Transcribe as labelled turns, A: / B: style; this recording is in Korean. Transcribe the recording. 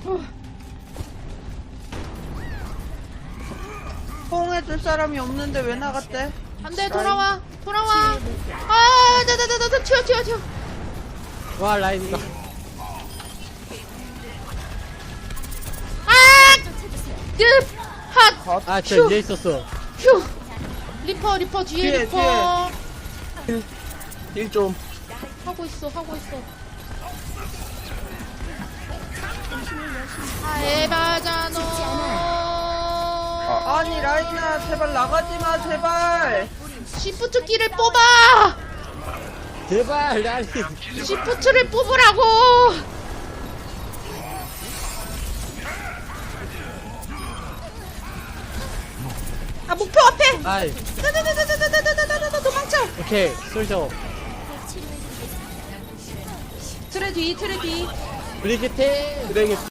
A: 호응해줄 사람이 없는데 왜 나갔대?
B: 안돼 돌아와 돌아와. 아 나나나나 튀어.
C: 와 라인이다.
B: 핫.
C: 아 저 위에 있었어.
B: 휴. 리퍼 뒤에
A: 뒤에,
B: 리퍼.
D: 힐 좀.
B: 하고 있어. 아 에바잖아.
A: 아니 라인아 제발 나가지마 제발.
B: 시프트 키를 뽑아.
C: 제발 라인.
B: 시프트를 뽑으라고. 아 목표 앞에.
C: 아이
B: 나나나나나나나나나 도망쳐.
C: 오케이 솔져.
B: 트레 뒤.
C: 브리기테.
D: 그래